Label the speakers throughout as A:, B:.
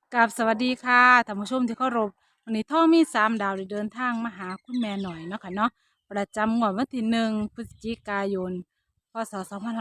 A: กับสวัสดีค่ะท่านผู้ชมที่เคารพวันนี้ท่อมี3 ดาวได้เดินทางมาหาคุณแม่หน่อยเนาะค่ะเนาะประจำงวดวันที่1 พฤศจิกายนพศ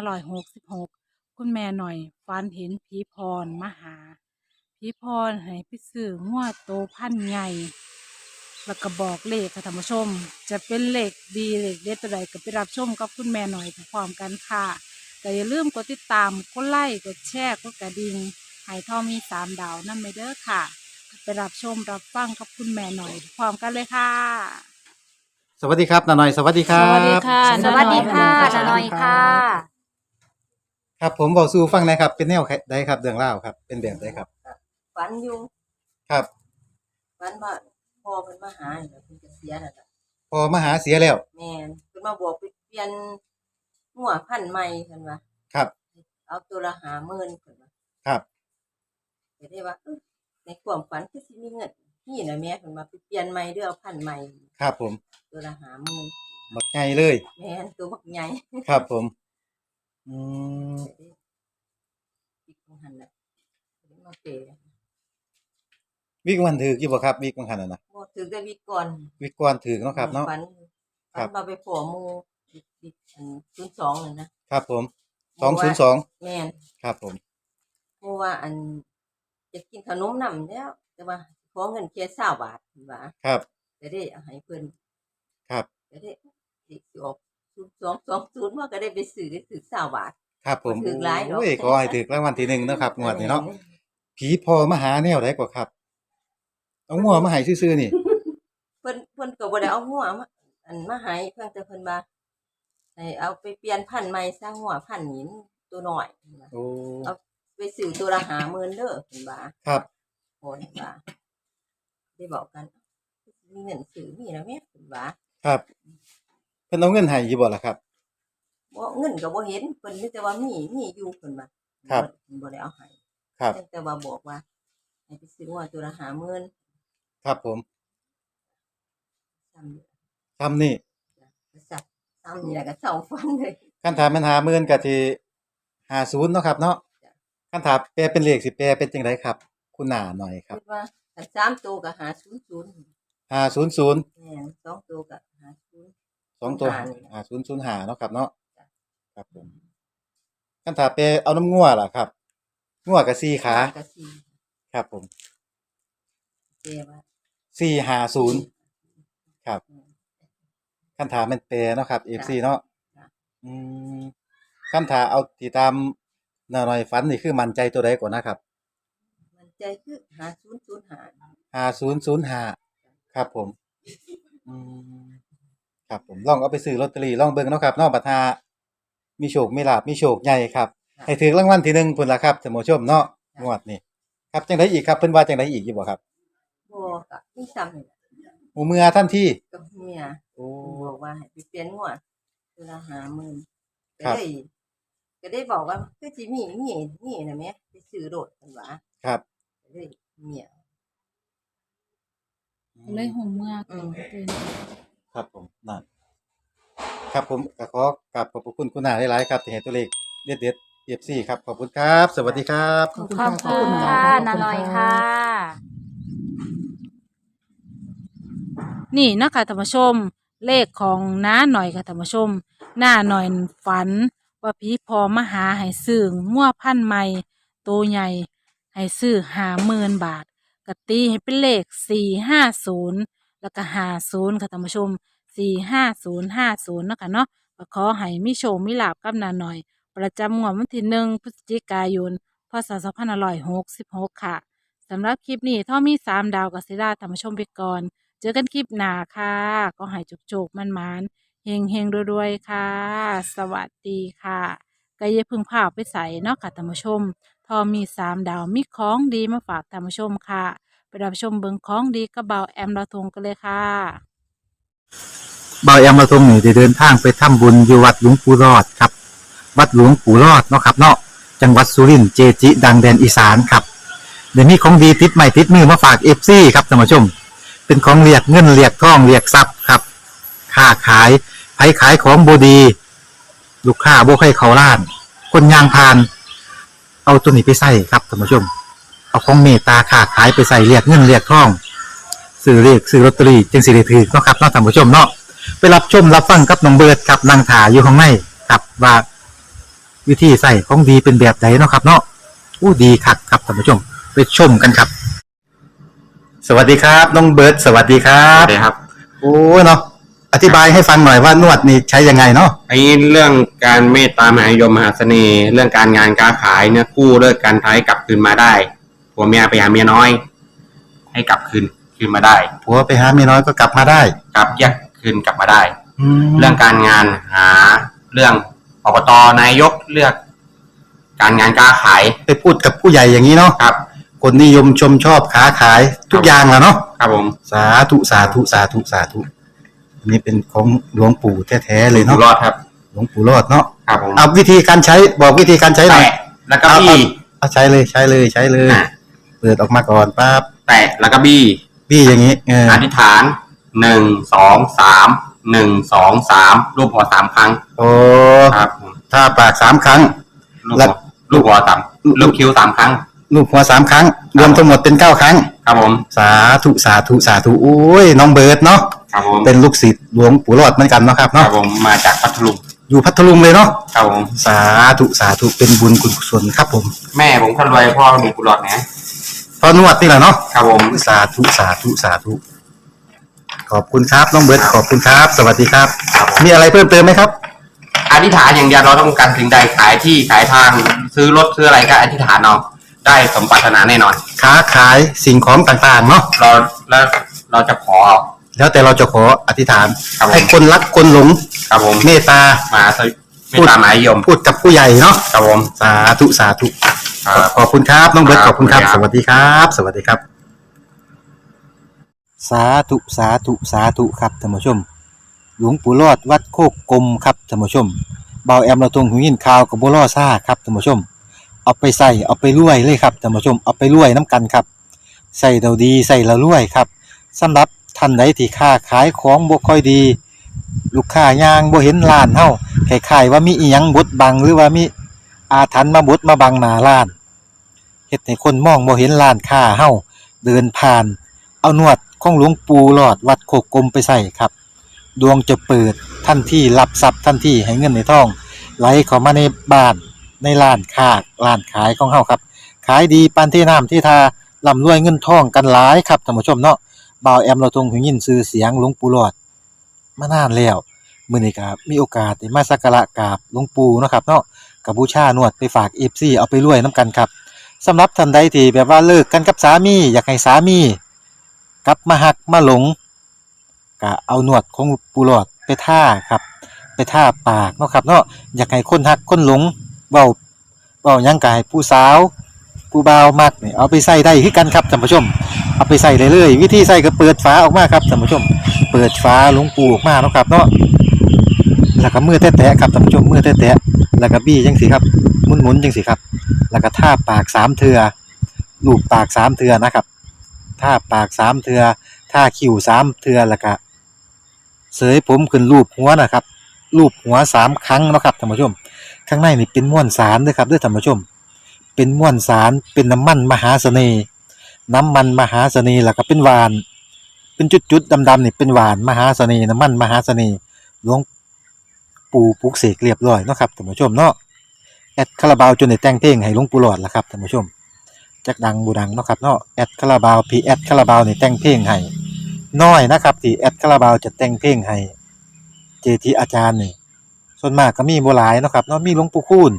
A: 2566คุณแม่หน่อยฝันเห็นผีพรมาหาผีพรให้ไปซื้องวดโตพันใหญ่แล้วก็บอกเลขค่ะท่านผู้ชมจะเป็นเลขดีเลขเด็ดตัวใดก็ไปรับชมกับคุณแม่หน่อยพร้อมๆกันค่ะแต่อย่าลืมกดติดตามกดไลค์กดแชร์กดกระดิ่ง หายทองมี3 ดาวนั่นไปเด้อค่ะไปรับชมรับฟังกับคุณแม่หน่อยพร้อมกันเลยค่ะ
B: สวัสดีครับนาหน่อยสวัสดีครั
A: สวัสดี
B: บ
A: ค่ะ
C: สวัสดีค่ะ
A: น้าหน่อย
C: นาหน่อยค่ะ
B: ครับผมบอกสู่ฟังหนะครับเป็นแนวใดครับเรื่องเล่าวครับเป็นแบบใดครับ
C: ฝันอยู่
B: ครับ
C: ฝันว่าพ่อเพิ่นมาหาเนี่ยเพิ่นจะเสียแล้วล่ะ
B: พอมาหาเสียแล้ว
C: แม่นเพิ่นมาบอกไปเปลี่ยนหัวพันธุ์ใหม่เพิ่นว่า
B: ครับ
C: เอาตัวละ50,000เพิ่นว่า
B: ครับ
C: ก็ได้ว่าในความฝันคือสิมีเงินนี่น่ะแม่เพิ่นว่าไปเปลี่ยนใหม่เด้อเอาพันธุ์ใหม่
B: ครับผม
C: ตัวละ50,000
B: บักไงเลย
C: แม่นตัวบักใหญ่
B: ครับผมอืม
C: ก็ได้อีกของหั่นน่ะก็ได้มาเปย์
B: วิกวันถือกี่บ่ครับวิกวันขนาดนะ
C: บ่ถือแต่วิกก่อน
B: วิกก่อนถือเนาะครับเนาะ
C: ฝัน
B: ครับ
C: ว่าไปพ้อหมู่อีกอัน02นั่นนะครับ
B: ผม
C: หมู่ว่า
B: 202
C: แม่น
B: ครับผม
C: เพราะว่าจะกินขนมนำแล้วแต่ว่าขอเงินแค่20 บาทเพิ่นว่า
B: ครับ
C: ก็ได้เอาให้เพิ่น
B: ครับ
C: ก็ได้เลขสิออก0220ว่าก็ได้ไปซื้อได้ถือ20 บาท
B: ครับผม
C: บ่ถือหลายดอก
B: โอ้ยขอให้ถูกรางวัลที่1เนาะครับงวดนี้เนาะผีพอมาหาแนวใดกว่าครับเอางัวมาให้ซื่อๆนี่
C: เพิ่นก็บ่ได้เอาหัวมามาให้เพิ่นแต่เพิ่นว่าให้เอาไปเปลี่ยนพันธุ์ใหม่ซะหัวพันธุ์นี้มันตัวน้อยเพิ่นว่า
B: โอ้
C: เอาไปซื้อตัวละ50,000เด้อเพิ่นว่า
B: ครับ
C: โอ้ยว่าได้บอกกันมีเงินซื้อมีแล้วแม่เพิ่นว่า
B: ครับเพิ่นเอาเงินให้อยู่บ่ล่ะครับ
C: บ่เงินก็บ่เห็นเพิ่นมีแต่ว่ามีอยู่เพิ่นว่า
B: ครับ
C: เพิ่นบ่ได้เอาให้
B: ครับ
C: แต่ว่าบอกว่าให้ไปซื้อหัวตัวละ50,000
B: ครับผม
C: ซ้ำนี่
B: ซ้ำนี่
C: ก็ซ้ำนี่แหละก็เซ้าฟันเลย
B: คันถามมัน50,000ก็สิ50เนาะครับเนาะ
C: จ้ะ
B: คันถามแปลเป็นเลขสิแปลเป็นจังไดครับคุณน้าหน่อยครั
C: คิ
B: บ
C: ดว่าคัน3ตัวก็500
B: 500
C: แม่น2ตัวก็50
B: 2ตัว
C: 05นี่ล่ะ
B: 5005เนาะครับเนาะ
C: จ้ะ
B: ครับผมคันถามแปลเอาน้ำงัวล่ะครับงัวก็4ขา
C: ก็
B: ครับผม
C: 4แต่ว่า
B: 450ครับ
C: อืม
B: คันถามแม่นแปลเนาะครับ
C: จ้ะ
B: FC เนาะ
C: จ้ะ
B: อืมคันถ้าเอาที่ตามน้าหน่อยฝันนี่คือมั่นใจตัวใดก่อนนะครับ
C: มันใจคือ5005
B: 5005ครับผมอืม ครับผมลองเอาไปซื้อลอตเตอรี่ลองเบิ่งเนาะครับเนาะบัดหามีโชคมีลาภมีโชคใหญ่ครับให้ถูกรางวัลที่1พุ่นล่ะครับท่านผู้ชมเนาะงวดนี้ครับจังไดอีกครับเพิ่นว่าจังไดอีกอยู่บ่ครับ
C: บ่ก็มีซ้ำนี่แหละ
B: โอ้เมื่อทันที
C: กับเมีย
B: โอ้
C: เพิ่นบอกว่าให้ไปเปลี่ยนหัวตัวละ50,000ก็
B: ครับ
C: เลยก็ได้บอกว่าคือสิมีน่ะแหมไปซื้อโลดเพิ่นว่า
B: ครับ
C: ก็เลยเมีย
A: เลยหูเมื่อ
C: อื
A: เกิ
C: ม
A: ดเป็น
B: ครับผมนั่นครับผมก็ขอกราบขอบพระคุณคุณน้าหลายๆครับที่ให้ตัวเลขเด็ดๆ FC ครับขอบคุณครับสวัสดีครับ
A: ขอบคุณ
C: ขอบคุ
A: ค่ะ
C: ณค่ะนาน้อยค่ะ
A: นี่เนาะคะท่านผู้ชมเลขของน้าหน่อยค่ะท่านผู้ชมหน้าหน่อยฝันว่าผีพอมาหาให้ซื้องัวพันธุ์ใหม่ตัวใหญ่ให้ซื้อ50,000 บาทกตีให้เป็นเลข450แล้วก็50ค่ะท่านผู้ชม45050เนาะค่ะเนาะก็ขอให้มีโชคมีลาภกับน้าหน่อย ประจำงวดวันที่1 พฤศจิกายนพศ2566ค่ะสำหรับคลิปนี้ถ้ามี3 ดาวกับศิลาธรรมชมไปก่อนเจอกันคลิปหน้าค่ะก็ให้จุกๆมันๆเฮงๆรวยๆค่ะสวัสดีค่ะก็อย่าเพึ่งพาไปใส่เนาะค่ะธรรมชมทอมี3 ดาวมีของดีมาฝากธรรมชมค่ะไปรับชมเบิงของดีกระเบาแอมลาทงกันเลยค่ะ
D: เบาแอมมาทรงนี่ได้เดินทางไปทำบุญอยู่วัดหลวงปู่รอดครับวัดหลวงปู่รอดเนาะครับเนาะจังหวัดสุรินทร์เจจิ ดังแดนอีสานครับเดี๋ยวนี้ของดีติดใหม่ติดมือมาฝากเอฟซีครับท่านผู้ชมเป็นของเรียกเงินเรียกทองเรียกทรัพย์ครับค้าขายไผขายของบดีลูกค้าบ่ให้เขาล้าน คนยางพาน เอาตัวนี้ไปใส่ครับท่านผู้ชมเอเอาของเมตตาค้าขายไปใส่เรียกเงินเรียกทองซื้อเรียกซื้อลอตเตอรี่จึงสิได้ถือเนาะครับเนาะท่านผู้ชมเนาะไปรับชมรับฟังกับน้องเบิร์ดครับนางถาอยู่ข้างในครับว่าวิธีใส่ของดีเป็นแบบไหนเนาะครับ เนาะอู้ดีคักครับท่านผู้ชมไปชมกันครับ สวัสดีครับน้องเบิร์ดสวัสดีครั
E: ครับ บครับ
D: โอ้เนาะอธิบายให้ฟังหน่อยว่านวดนี่ใช้ยังไงเนาะ
E: ไอ้เรื่องการเมตตามหานิยมมหาเสน่ห์ เรื่องการงานการขายเนี่ยกู้เลิกการท้ายกลับคืนมาได้ผัวเมียไปหาเมียน้อย ให้กลับคืนมาได้
D: ผัวไปหาเมียน้อยก็กลับมาได้
E: กลับแยกคืนกลับมาได้
D: แล้
E: เรื่
D: ว
E: องการงานหาเรื่องอบตนายกเลือก การงานการขาย
D: ไปพูดกับผู้ใหญ่อย่างนี้เนาะ
E: ครับ
D: คนนิยมชมชอบค้าขายทุกอย่างแหละเนาะ
E: ครับผม
D: สาธุสาธุสาธุสาธุอันนี้เป็นของหลวงปู่แท้ๆเลย
E: อยู่
D: เนาะ
E: รอดครับ
D: หลวงปู่รอดเนาะ
E: ครับผม
D: เอาวิธีการใช้บอกวิธีการใช้หน่อย
E: แตะแล้วก็บี้
D: เอาใช้เลยใช้เลยใช้เลย
E: อ่ะ
D: เปิดออกมาก่อนปั๊บ
E: แตะแล้วก็บี้
D: พี่อย่างนี้เออ
E: อธิษฐาน1 2 3 1 2 3รูปหัวสามครั้ง
D: โอ้
E: ครับผม
D: ถ้าปาก3 ครั้ง
E: ลูก
D: แล้
E: หั
D: ว
E: วลูกหัวสามลูกคิ้ว3 ครั้ง
D: ลูกหัว3 ครั้ง รวมทั้งหมดเป็น9 ครั้ง
E: ครับผม
D: สาธุสาธุสาธุโอ้ยน้องเบิร์ดเนาะ
E: ครับผม
D: เป็นลูกศิษย์หลวงปู่รอดเหมือนกันเนาะครับ
E: ครั
D: เนาะ
E: บผมมาจากพัทลุง
D: อยู่พัทลุงเลยเนาะ
E: ครับผม
D: สาธุสาธุเป็นบุญกุศลครับผม
E: แม่ผมคนรวยพ่อมีกุหลาบนะ
D: พอนวดนี่แหละเนาะ
E: ครับผม
D: สาธุสาธุสาธุขอบคุณครับน้องเบิร์ดขอบคุณครับ สวัสดีครับ มีอะไรเพิ่มเติมไหมครับ
E: อธิษฐานอย่างเดียวเราต้องการสิ่งใดขายที่ขายทางซื้อรถซื้ออะไรก็อธิษฐานเอาได้สมปรารถนาแน่นอน
D: ค้าขายสิ่งของต่างๆเนาะ
E: เราจะขอ
D: แล้วแต่เราจะขออธิษฐาน
E: ครับผม
D: ให้คนรักคนหลง
E: ครับผม
D: เมตตา
E: มาไม่ตามหมายยม
D: พูดกับผู้ใหญ่เนาะ
E: ครับผม
D: สาธุสาธุ
E: ครับ
D: ขอบคุณครับน้องเบิร์ต
E: ค
D: ข
E: รับ
D: อบคุณครับ
E: ขอบ
D: ส
E: คุณครับ
D: วัสดีครับ สวัสดีครับ สาธุสาธุสาธุครับท่านผู้ชม หลวงปู่รอดวัดโคกกลมครับท่านผู้ชมเบาแอมเราตรงหูยินข่าวกับบัวล่อซ่าครับท่านผู้ชม เอาไปใส่เอาไปรวยเลยครับท่านผู้ชมเอาไปรวยน้ำกันครับใส่เราดีใส่เรารวยครับสำหรับท่านใดที่ค้าขายของบ่ค่อยดี ลูกค้ายางบ่เห็นร้านเฮาคล้ายๆว่ามีอีหยังบดบังหรือว่ามีอาถรรพ์มาบดมาบังหน้าร้านเฮ็ดให้คนมองบ่เห็นร้านค้าเฮาเดินผ่าน เอานวดของหลวงปู่หลอดวัดโคกกลมไปใส่ครับ ดวงจะเปิดทันทีรับทรัพย์ทันทีให้เงินในท้องไหลเข้ามาในบ้านในร้านค้าร้านขายของเฮาครับขายดีปานที่น้ำที่ทาร่ำรวยเงินทองกันหลายครับท่านผู้ชมเนาะบ่าวแอมเราทรงหูยินชื่อเสียงหลวงปู่หลอดมานานแล้วมื้อนี้ก็มีโอกาสได้มาสักการะกราบหลวงปู่เนาะครับเนาะก็บูชานวดไปฝาก FC เอาไปรวยนํกันครับสำหรับท่านใดที่แบบว่าเลิกกันกับสามีอยากให้สามีกลับมาหักมาหลงก็เอานวดของปู่หลอดไปท่าครับไปท่าปากเนาะครับเนาะอยากให้คนหักคนหลงเว้าหยังก็ให้ผู้สาวผู้บ่าวมักนี่เอาไปใส่ได้คือกันครับท่านผู้ชมเอาไปใส่ได้เลยวิธีใส่ก็เปิดฝาออกมาครับท่านผู้ชมเปิดฝาหลวงปู่ออกมาเนาะครับเนาะแล้วก็มือแตะๆครับท่านผู้ชมมือแตะๆแล้วก็บี้จังซี่ครับหมุนๆจังซี่ครับแล้วก็ท่าปาก3เทื่อลูบปาก3เทื่อนะครับท่าปาก3เทื่อท่าคิ้ว3เทื่อแล้วก็เสยผมขึ้นรูปหัวนะครับรูปหัว3ครั้งเนาะครับท่านผู้ชมข้างในนี่เป็นม้วนสารเด้อครับเด้อท่านผู้ชมเป็นม้วนสารเป็นน้ำมันมหาเสน่ห์น้ำมันมหาเสน่ห์แล้วก็เป็นหวานเป็นจุดๆดำๆนี่เป็นหวานมหาเสน่ห์น้ำมันมหาเสน่ห์หลวงปู่ปลุกเสกเรียบร้อยเนาะครับท่านผู้ชมเนาะแอดคาราบาวจนได้แต่งเพลงให้หลวงปู่หลอดล่ะครับท่านผู้ชมจักดังบ่ดังเนาะครับเนาะแอดคาราบาวพี่แอดคาราบาวนี่แต่งเพลงให้น้อยนะครับที่แอดคาราบาวจะแต่งเพลงให้เจทีอาจารย์นี่ส่วนมากก็มีบ่หลายเนาะครับเนาะมีหลวงปู่คูณ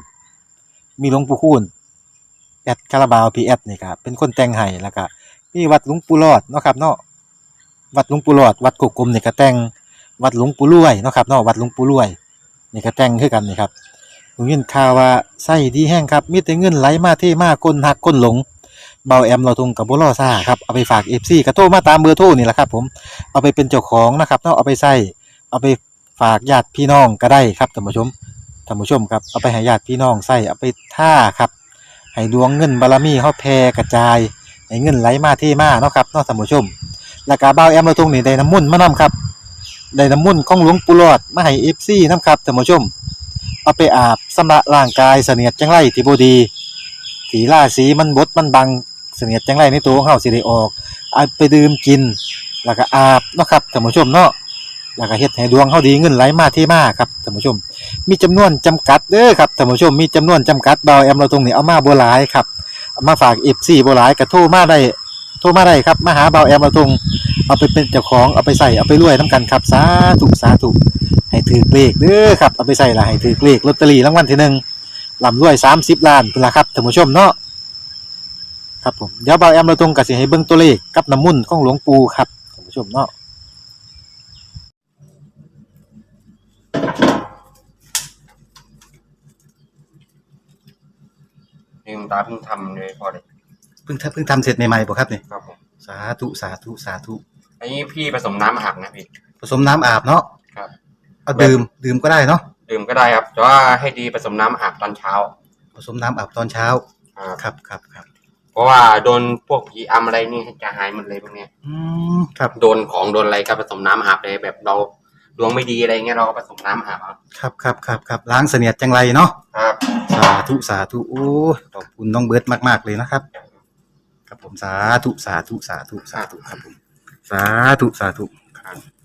D: แอดคาราบาวพีแอดนี่ครับเป็นคนแต่งให้แล้วก็มีวัดหลวงปู่หลอดเนาะครับเนาะวัดหลวงปู่หลอดวัดกกกลมนี่ก็แต่งวัดหลวงปู่รวยเนาะครับเนาะวัดหลวงปู่รวยนี่ก็แต่งคือกันนี่ครับผมยินข่าวว่าไส้ดีแห้งครับมีแต่เงินไหลมาเทมาคนหักคนหลงเบาแอมเราทงกับบ่รอซ่าครับเอาไปฝาก FC ก็โทรมาตามเบอร์โทรนี่แหละครับผมเอาไปเป็นเจ้าของนะครับเนาะเอาไปใส่เอาไปฝากญาติพี่น้องก็ได้ครับท่านผู้ชมครับเอาไปให้ญาติพี่น้องใส่เอาไปท่าครับให้ดวงเงินบารมีเฮาแผ่กระจายให้เงินไหลมาเทมาเนาะครับเนาะท่านผู้ชมแล้วก็บ่าวแอมเราตรงนี้ได้น้ำมนต์มานํครับได้น้ำมนต์ของหลวงปู่หลอดมาให้ FC นำครับท่านผู้ชมเอาไปอาบชำระร่างกายเสนียดจังไรที่บ่ดีที่ราศีมันบดมันบังเสนียดจังไรในตัวของเฮาสิได้ออกเอาไปดื่มกินแล้วก็อาบเนาะครับท่านผู้ชมเนาะแล้วก็เฮ็ดให้ดวงเฮาดีเงินไหลมาเทมาครับท่านผู้ชมมีจำนวนจำกัดเด้อครับท่านผู้ชมมีจำนวนจำกัดเบาแอมเราตรงนี้เอามาบ่หลายครับเอามาฝาก FC บ่หลายก็โทรมาได้ครับมาหาเบาแอมเราตรงเอาไปเป็นเจ้าของเอาไปใส่เอาไปรวยนํกันครับสาธุให้ถือเลขเด้อครับเอาไปใส่ละให้ถือเลขลอตเตอรี่รางวัลที่หนึ่งร่ำรวย30ล้านพุ่นล่ะครับท่านผู้ชมเนาะครับผมเดี๋ยวเบาแอมเราตรงก็สิให้เบิ่งตัวเลขกับน้ำมุ่นต์ของหลวงปู่ครับท่านผู้ชมเนาะ
E: นี่คุณตาเพิ่งทำเลยพอเลย
D: เพิ่งทำเสร็จใหม่ๆบ่ครับนี่
E: ครับผม
D: สาธุ
E: อันนี้พี่ผสมน้ำอาบนะพี่
D: ผสมน้ำอาบเนาะ
E: ครับ
D: เอาดื่มก็ได้เนาะ
E: ดื่มก็ได้ครับแต่ว่าให้ดีผสมน้ำอาบตอนเช้า
D: ผสมน้ำอาบตอนเช้า
E: ครับ
D: ครับ
E: เพราะว่าโดนพวกผีอำอะไรนี่จะหายหมดเลยพวกเนี้ย
D: ครับ
E: โดนของโดนอะไรก็ผสมน้ำอาบเลยแบบเราดวงไม่ดีอะไรเงี้ยเราก็ผสมน้ำอาบเอา
D: ครับล้างเสนียดจังไรเนาะ
E: ครับ
D: สาธุโอ้ยขอบคุณน้องเบิร์ดมากๆเลยนะครับครับผมสาธุครับผมสาธุ